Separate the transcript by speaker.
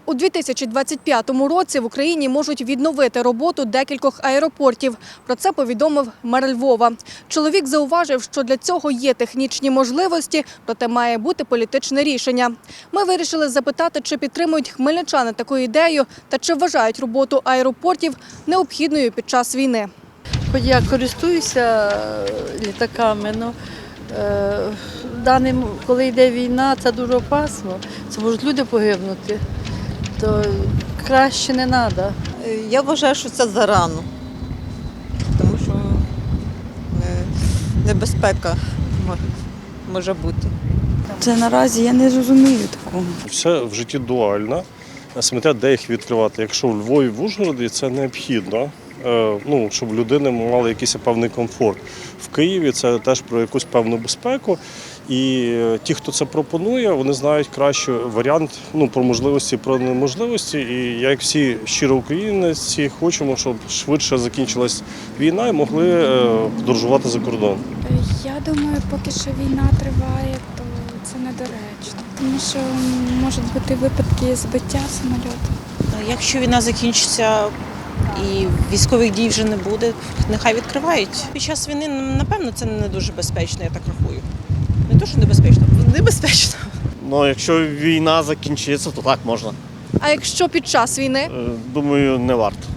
Speaker 1: У 2025 році в Україні можуть відновити роботу декількох аеропортів. Про це повідомив мер Львова. Чоловік зауважив, що для цього є технічні можливості, проте має бути політичне рішення. Ми вирішили запитати, чи підтримують хмельничани таку ідею та чи вважають роботу аеропортів необхідною під час війни.
Speaker 2: Хоч я користуюся літаками, але коли йде війна, це дуже опасно. Це можуть люди погибнути, то краще не треба.
Speaker 3: Я вважаю, що це зарано, тому що небезпека може бути.
Speaker 4: Це наразі я не розумію такого.
Speaker 5: Все в житті дуально. Сміття, де їх відкривати. Якщо в Львові, в Ужгороді, це необхідно, щоб людини мали якийсь певний комфорт. В Києві це теж про якусь певну безпеку. І ті, хто це пропонує, вони знають краще варіант про можливості, про неможливості. І як всі щиро українці хочемо, щоб швидше закінчилась війна і могли подорожувати за кордон.
Speaker 6: Я думаю, поки що війна триває, то це недоречно. Тому що можуть бути випадки збиття самольоту.
Speaker 7: Якщо війна закінчиться і військових дій вже не буде, нехай відкривають. Під час війни, напевно, це не дуже безпечно, я так рахую. Не то, що небезпечно, небезпечно.
Speaker 8: Якщо війна закінчиться, то так можна.
Speaker 1: А якщо під час війни?
Speaker 8: Думаю, не варто.